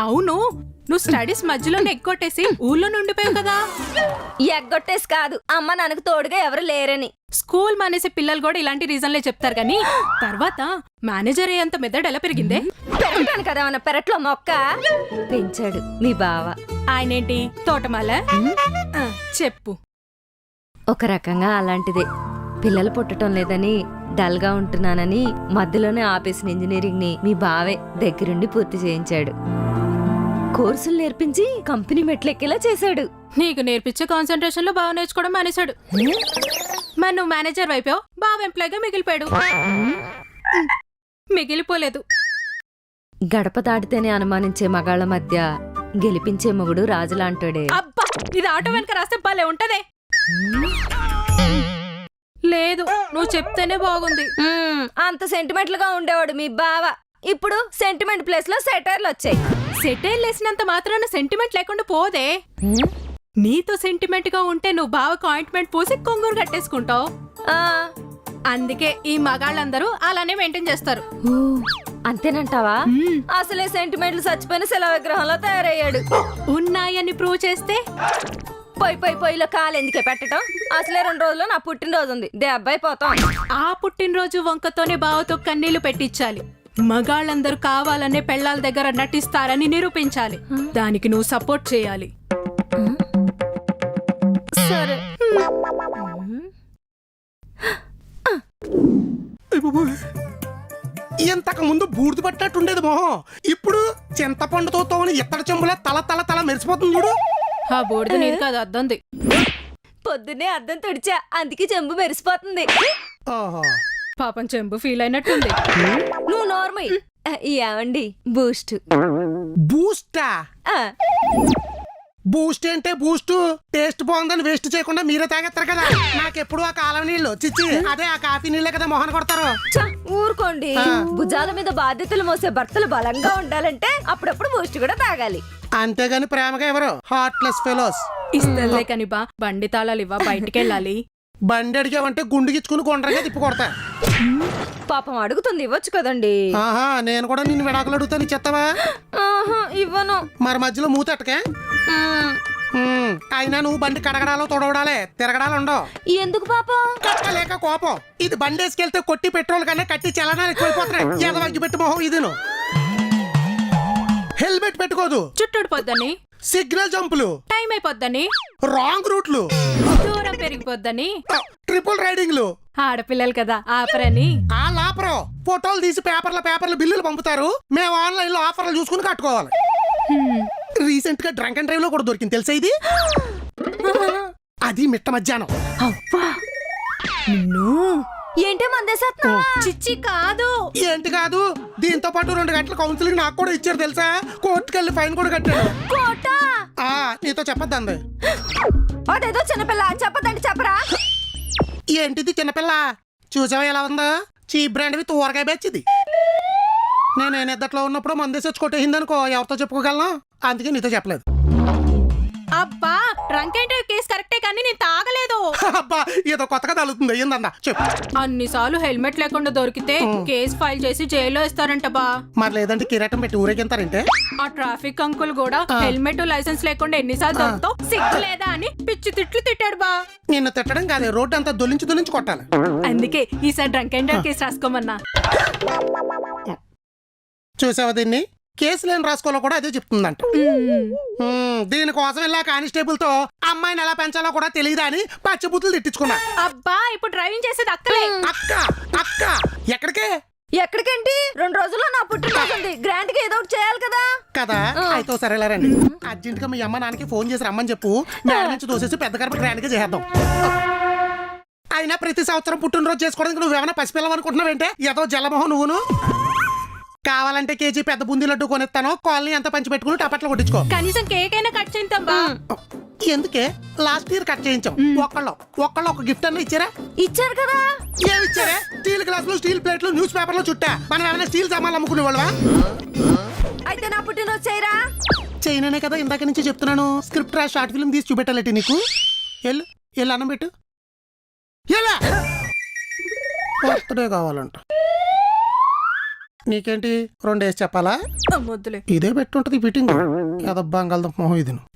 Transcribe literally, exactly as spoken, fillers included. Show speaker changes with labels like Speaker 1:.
Speaker 1: అవును, నువ్వు స్టడీస్ మధ్యలోనే ఎగ్గొట్టేసి ఊళ్ళో నుండిపోయావు కదా.
Speaker 2: ఎగ్గొట్టేసి కాదు, అమ్మ నాకు తోడుగా ఎవరు లేరని.
Speaker 1: స్కూల్ మానేసే పిల్లలు కూడా ఇలాంటి రీజన్లే చెప్తారు కానీ తర్వాత మేనేజర్ అయ్యేంత మెదడు ఎలా పెరిగిందే?
Speaker 2: పెరగటాను కదా మన పెరట్లో మొక్క పెంచాడు మీ బావ.
Speaker 1: ఆయనేంటి తోటమాల? ఆ, చెప్పు.
Speaker 2: ఒక రకంగా అలాంటిదే. పిల్లలు పుట్టడం లేదని డల్ గా ఉంటున్నానని మధ్యలోనే ఆపేసిన ఇంజనీరింగ్ ని మీ బావే దగ్గరుండి పూర్తి చేయించాడు. కోర్సులు నేర్పించి కంపెనీ మెట్లెక్కేలా చేశాడు.
Speaker 1: నీకు నేర్పించే కాన్సన్ట్రేషన్ లో బాగా నేర్చుకోవడం మానేశాడు. మరి నువ్వు మేనేజర్ వైపు బాగా ఎంప్లాయ్గా మిగిలిపోయాడు. మిగిలిపోలేదు.
Speaker 2: గడప దాటితేనే అనుమానించే మగాళ్ళ మధ్య గెలిపించే మొగుడు రాజులాంటాడే.
Speaker 1: అబ్బా, ఇది ఆటో వెనక రాస్తే భలే ఉంటదే. లేదు, నువ్వు చెప్తేనే బాగుంది.
Speaker 2: మ్మ్, అంత సెంటిమెంట్ గా ఉండేవాడు మీ బావ. ఇప్పుడు సెంటిమెంట్ ప్లేస్ లో సెటైర్లు వచ్చాయి.
Speaker 1: సెటైల్ వేసినంత మాత్రాన సెంటిమెంట్ లేకుండా పోదే.
Speaker 2: మ్మ్?
Speaker 1: నీతో సెంటిమెంట్ గా ఉంటే నువ్వు బావకు ఆయింట్మెంట్ పోసి కొంగురు కట్టేసుకుంటావు.
Speaker 2: ఆ,
Speaker 1: అందుకే ఈ మగాళ్ళందరూ అలానే మెయింటైన్ చేస్తారు.
Speaker 2: ఊ, అంతేనంటావా?
Speaker 1: మ్మ్.
Speaker 2: అసలే సెంటిమెంట్లు చచ్చిపోయిన శిలా విగ్రహంలో తయారయ్యాడు.
Speaker 1: ఉన్నాయని ప్రూవ్ చేస్తే
Speaker 2: పొయ్యి పొయ్యి పొయ్యిలో కాలు ఎందుకే పెట్టడం? అసలే రెండు రోజుల్లో నా పుట్టినరోజు ఉంది, దెబ్బై పోతాం.
Speaker 1: ఆ పుట్టినరోజు వంకతోనే బావతో కన్నీళ్లు పెట్టించాలి. మగాళ్ళందరూ కావాలనే పెళ్ళాల దగ్గర నటిస్తారని నిరూపించాలి. దానికి నువ్వు సపోర్ట్ చేయాలి.
Speaker 2: సరే.
Speaker 3: ఇంతకు ముందు బూడిద పట్టినట్టుండేది మొహం, ఇప్పుడు చింతపండుతో తోని ఇత్తడి చెంబులా తల తల తల మెరిసిపోతుంది చూడు.
Speaker 1: ఆ బోర్డు నీది కాదు, అద్దంది.
Speaker 2: పొద్దున్నే అద్దం తుడిచా, అందుకే చెంబు మెరిసిపోతుంది.
Speaker 3: ఓహో,
Speaker 1: పాపం చెంబు ఫీల్ అయినట్టుంది.
Speaker 2: నువ్వు నార్మల్. ఏమండి బూస్ట్?
Speaker 3: బూస్టా?
Speaker 2: ఆ,
Speaker 3: బూస్ట్ అంటే బూస్ట్ టేస్ట్ బాగుందని వేస్ట్ చేయకుండా మీరే తాగేస్తారు కదా. నాకెప్పుడు ఆ కాలం నీళ్ళు చిచ్చి అదే ఆ కాఫీ నీళ్ళే కదా మొహన కొడతారు.
Speaker 2: చ్చ, ఊరుకోండి. భుజాల మీద బాధ్యతలు మోసే భర్తలు బలంగా ఉండాలంటే అప్పుడప్పుడు బూస్ట్ కూడా తాగాలి.
Speaker 3: అంతేగాని ప్రేమగా ఎవరు హార్ట్లెస్ ఫెలోస్.
Speaker 1: ఇస్తలే కని బా, బండి తాళాలు ఇవ్వ, బయటికి వెళ్ళాలి.
Speaker 3: బండి అడిగావంటే గుండు గిచ్చుకుని కొండరగా తిప్పి కొడతా.
Speaker 2: పాపం అడుగుతుంది, ఇవ్వచ్చు కదండి.
Speaker 3: ఆహా, నేను కూడా నిన్ను విడాకులు అడుగుతాను, చెత్తవా?
Speaker 2: ఆహా, ఇవ్వను.
Speaker 3: మరి మధ్యలో మూతటకే.
Speaker 2: మ్మ్.
Speaker 3: అయినా నువ్వు బండి కడగడాలో తొడవడాలే, తిరగడాలు ఉండవు.
Speaker 2: ఎందుకు పాపం?
Speaker 3: కట్టలేక కోపం. ఇది బండి వేసుకెళ్తే కొట్టి పెట్రోల్ కన్నా కట్టి చలనాలు ఎక్కువైపోతున్నాయి. ఎదవగ్గి పెట్టి మొహం ఇది. హెల్మెట్ పెట్టుకోదు,
Speaker 1: చుట్టుడిపోద్దని,
Speaker 3: సిగ్నల్ జంపులు,
Speaker 1: టైం అయిపోద్దని,
Speaker 3: రాంగ్ రూట్లు,
Speaker 1: దూరం పెరిగిపోద్దని,
Speaker 3: ట్రిపుల్ రైడింగ్లు.
Speaker 1: ఆడపిల్లలు కదా ఆపరని.
Speaker 3: ఆ లాపరో ఫోటోలు తీసి పేపర్ల పేపర్ల బిల్లులు పంపుతారు. మేము ఆన్లైన్ లో ఆఫర్లు చూసుకుని కట్టుకోవాలి. రీసెంట్ గా డ్రంక్ అండ్ డ్రైవ్ లో కూడా దొరికింది తెలుసా ఇది. అది మిట్ట మధ్యాహ్నం.
Speaker 1: అవ్వా, నిన్ను
Speaker 2: ఏంటే మందేసేస్తున్నా?
Speaker 1: చిచ్చి కాదు.
Speaker 3: ఏంటి కాదు, దీంతో పాటు రెండు గంటల కౌన్సిలింగ్ నాకు కూడా ఇచ్చారు తెలుసా. కోర్టుకెళ్ళి ఫైన్ కూడా కట్టాడు.
Speaker 2: కోట?
Speaker 3: ఆ, నీతో చెప్పద్దంది.
Speaker 2: అదేదో చిన్నపిల్ల, చెప్పదండి చెప్పరా.
Speaker 3: ఏంటిది చిన్నపిల్ల? చూసావా ఎలా ఉందా? చీప్ బ్రాండ్వి తూరగా బెచ్చిది. నేను నేను ఇద్దట్లో ఉన్నప్పుడు మందేసి వచ్చి కొట్టేసిందనుకో ఎవరితో చెప్పుకోగలను. అందుకే నీతో చెప్పలేదు.
Speaker 1: అబ్బా, డ్రంక్ అండ్ డ్రైవ్ కేసు కరెక్టే కానీ నేను తాగలేదు.
Speaker 3: అబ్బా, ఏదో కొత్తగా తగులుతుంది. ఏందన్నా చెప్పు.
Speaker 1: అన్నిసార్లు హెల్మెట్ లేకుండా దొరికితే కేసు ఫైల్ చేసి జైల్లో ఇస్తారంట బా.
Speaker 3: మరి లేదంటే కిరీటం పెట్టి ఊరేగింతారంటే.
Speaker 1: ఆ ట్రాఫిక్ అంకుల్ కూడా హెల్మెట్ లైసెన్స్ లేకుండా ఎన్నిసార్లు దొరుకుతావు, సిగ్గు లేదా అని పిచ్చి తిట్లు తిట్టాడు బా.
Speaker 3: నిన్ను తిట్టడం కాదే, రోడ్డు అంతా దొల్లించి దొల్లించి కొట్టాలి.
Speaker 1: అందుకే ఈసారి డ్రంక్ అండ్ డ్రైవ్ కేసు రాసుకోమన్నా.
Speaker 3: చూసావా దీన్ని? కేసు లేని రాసుకోవాలో కూడా అదే చెప్తుందంట. దీనికోసం వెళ్ళా కానిస్టేబుల్ తో అమ్మాయిని ఎలా పెంచాలో కూడా తెలియదా అని పచ్చబుద్ధులు తిట్టించుకున్నా.
Speaker 1: అబ్బా, ఇప్పుడు డ్రైవింగ్ చేసేది అక్కలే.
Speaker 3: అక్క అక్క ఎక్కడికే?
Speaker 2: ఎక్కడికేంటి? రెండు రోజుల్లో నా పుట్టినరోజు ఉంది, గ్రాండ్ గా ఏదో ఒకటి చేయాలి కదా.
Speaker 3: కదా, అయితే సరేలా రండి. అర్జెంట్ గా మీ అమ్మ నాన్నకి ఫోన్ చేసి రమ్మని చెప్పు. మేడ నుంచి దోసేసి పెద్ద గడప గ్రాండ్ గా చేద్దాం. అయినా ప్రతి సంవత్సరం పుట్టినరోజు చేసుకోవడానికి నువ్వేమైనా పసిపిల్లవు అనుకుంటున్నావేంటే? ఏదో జలమోహం నువ్వును. కావాలంటే కేజీ పెద్ద బుందీ లడ్డు కొనిస్తాను, కాలనీ అంతా పంచి పెట్టుకుని టపట్లు కొట్టించుకో.
Speaker 1: కనీసం కేక్ అయినా కట్ చేద్దాం బా.
Speaker 3: ఎందుకే? లాస్ట్ ఇయర్ కట్ చేయించాం. ఒక్కళ్ళు ఒక్కళ్ళు ఒక గిఫ్ట్ అన్న ఇచ్చారా?
Speaker 2: ఇచ్చారు కదా.
Speaker 3: ఏమి ఇచ్చారే? స్టీల్ గ్లాసులు, స్టీల్ ప్లేట్లు, న్యూస్ పేపర్లు చుట్టా. మనం ఏమైనా స్టీల్ సామాన్లు అమ్ముకునే వాళ్ళవా?
Speaker 2: అయితే నా పుట్టినరోజు చేయరా?
Speaker 3: చైనానే కదా ఇందాక నుంచి చెప్తున్నాను. స్క్రిప్ట్ రా, షార్ట్ ఫిల్మ్ తీసి చూపెట్టాలంటే నీకు. ఎల్లు ఎల్లు అన్నం పెట్టు. ఎలా బర్త్డే కావాలంట. నీకేంటి రెండు వేసి చెప్పాలా
Speaker 1: మొద్దులే
Speaker 3: ఇదే పెట్టుంటది ఫిట్టింగ్ ఏదో బంగాళదుంప మొహం ఇది